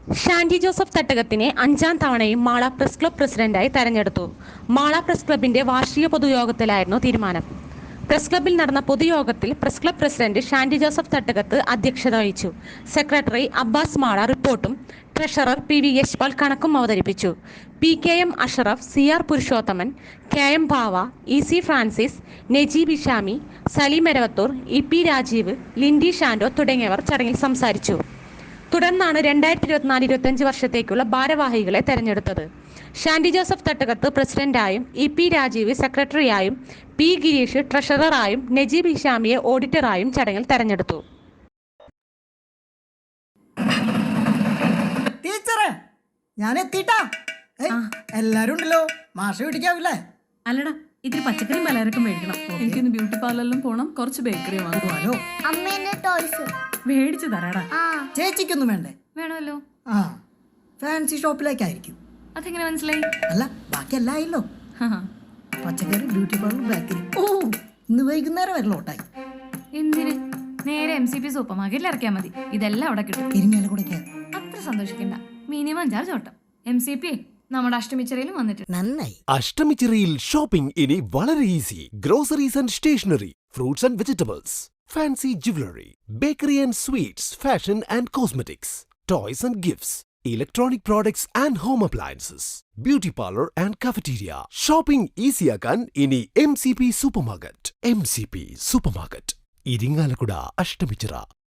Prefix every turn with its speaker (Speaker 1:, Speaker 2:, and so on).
Speaker 1: Shandy Joseph തട്ടകത്തിനെ 5ാം തവണയും Mala press club പ്രസിഡന്റായി തെരഞ്ഞെടുത്തു. മാള പ്രസ് ക്ലബിന്റെ വാർഷിക പൊതുയോഗത്തിലായിരുന്നു തീരുമാനം. പ്രസ് ക്ലബിൽ നടന്ന പൊതുയോഗത്തിൽ press club president Shandy Joseph Thattakath അധ്യക്ഷത വഹിച്ചു. സെക്രട്ടറി അബ്ബാസ് മാള റിപ്പോർട്ടും ട്രഷറർ പി.വി. യശ്പാൽ കണക്കും അവതരിപ്പിച്ചു. P K M. Ashraf, C R. Purushothaman, K M. Bhava, E C. Francis, Najeeb Ishami, Salim Eravathur, E P. Rajeev, Lindy Shando തുടങ്ങിയവർ ചടങ്ങിൽ സംസാരിച്ചു. തുടർന്നാണ് 2024-25 വർഷത്തേക്കുള്ള ഭാരവാഹികളെ തെരഞ്ഞെടുത്തത്. ഷാൻഡി ജോസഫ് തട്ടകത്ത് പ്രസിഡന്റായും, ഇ.പി. രാജീവ് സെക്രട്ടറിയായും, പി. ഗിരീഷ് ട്രഷററായും, നജീബ് ഇഷാമിയെ ഓഡിറ്ററായും ചടങ്ങിൽ തെരഞ്ഞെടുത്തു.
Speaker 2: ടീച്ചറെ, ഞാൻ എത്തിട്ടാ. എല്ലാരും ഉണ്ടല്ലോ, മാഷ പിടിക്കാവില്ലേ?
Speaker 3: അല്ലടാ, ഇത്തിരി പച്ചക്കറിയും പലചരക്കും മേടിക്കണം. എനിക്കൊന്ന് ബ്യൂട്ടി പാർലറിലും പോണം, കുറച്ച് ബേക്കറി വാങ്ങുവാലോ.
Speaker 4: അമ്മേന്റെ ടോയ്സ്
Speaker 3: മേടിച്ചു തരാടാ.
Speaker 2: ചേച്ചിക്കൊന്നും വേണ്ടേ?
Speaker 3: വേണമല്ലോ.
Speaker 2: ആ, ഫാൻസി ഷോപ്പിലേക്കായിരിക്കും.
Speaker 3: അതെങ്ങനെ മനസ്സിലായി?
Speaker 2: അല്ല, ബാക്കി എല്ലാം ആയില്ലോ. പച്ചക്കറി, ബ്യൂട്ടി പാർലർ, ബേക്കറി. ഓ, ഇന്ന് വൈകുന്നേരം വരെ ലോട്ടായി.
Speaker 3: എന്തിന്? നേരെ MCP സൂപ്പർ മാർക്കറ്റിൽ ഇറക്കിയാൽ മതി. ഇതെല്ലാം അവിടെ കിട്ടും.
Speaker 2: ഇരിങ്ങാലക്കുടയ്ക്ക്
Speaker 3: അത്ര സന്തോഷിക്കണ്ട. മിനിമം ചാർജ് ഓട്ടം. MCP നമ്മുടെ അഷ്ടമിച്ചറയിലും വന്നിട്ടുണ്ട്.
Speaker 2: നന്നായി.
Speaker 5: അഷ്ടമിച്ചിറയിൽ ഷോപ്പിംഗ് ഇനി വളരെ easy. Groceries and stationery, fruits and vegetables, fancy jewelry, bakery and sweets, fashion and cosmetics, toys and gifts, electronic products and home appliances, beauty parlor and cafeteria. Shopping easy ആക്കാൻ ഇനി MCP Supermarket. MCP Supermarket, Irinjalakuda, Ashtamichira.